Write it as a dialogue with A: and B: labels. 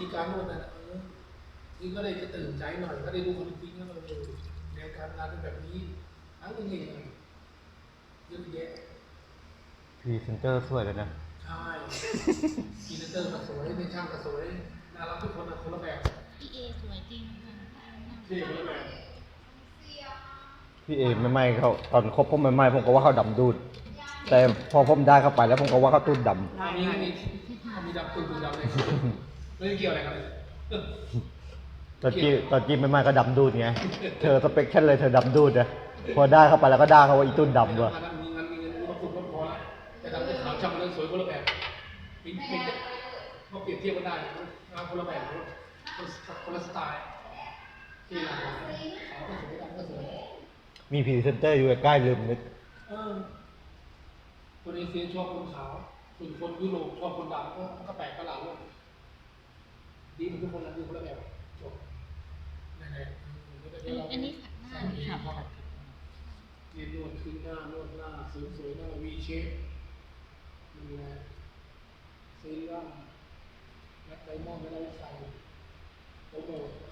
A: ธีการนวดนะนี่ก็เลยจะตื่นใจหน่อยก็ได้ดูคนจริงๆแล้วเราดูในการงานเป็นแบบนี้ทั้งนี้เองเยอะแยะ
B: พรีเซนเตอร์สวยเลยนะ
A: ใช่พรีเซนเตอร์ก็สวยในช่างก็สวยน่ารักทุกคนนะคนละแบบ
C: พี่เอสวยจริงค่ะ
A: ที่คนละแบบ
B: พี่เอไม่ไม่เขาตอนคบผมไม่ไม่ผมก็ว่าเขาดำดูดแต่พอผมได้เข้าไปแล้วผมก็ว่าเขาตุ้นดำ
A: มีดำตุ่มดำเลยไม่เกี่ยวอะไรกันเลย
B: ตอนจีไม่ไม่ก็ดำดูดไงเธอสเปคฉันเลยเธอดำดูดนะพอได้เข้าไปแล้วก็ด่าเขาว่าอีตุ้นดำด้วย
A: มีเงินมาฝึกพอแล้วแต่ดำจะขาวช่างเรื่องสวยคนละแบบเป็นเขาเปรียบเทียบกันได้งานคนละแบบคนละสไตล์ที่หลังขาวก็สวยดำก็สวย
B: มีพรีเซนเตอร์อยู่ใกล้ลืมนึก
A: คนเอเชียชอบคนขาวส่วนคนยุโรปชอบคนดำก็แปลกประหลาดเลยดีเหมือนทุกคนนะดีคนละแบบจบ
C: อันนี้ขัดหน้าหรือขัด
A: เรียนนวดขึ้นหน้านวดหน้าสวยๆหน้าวีเชฟนี่แหละเซรั่มและไดมอนด์ไม่ได้ใส่โปรโมท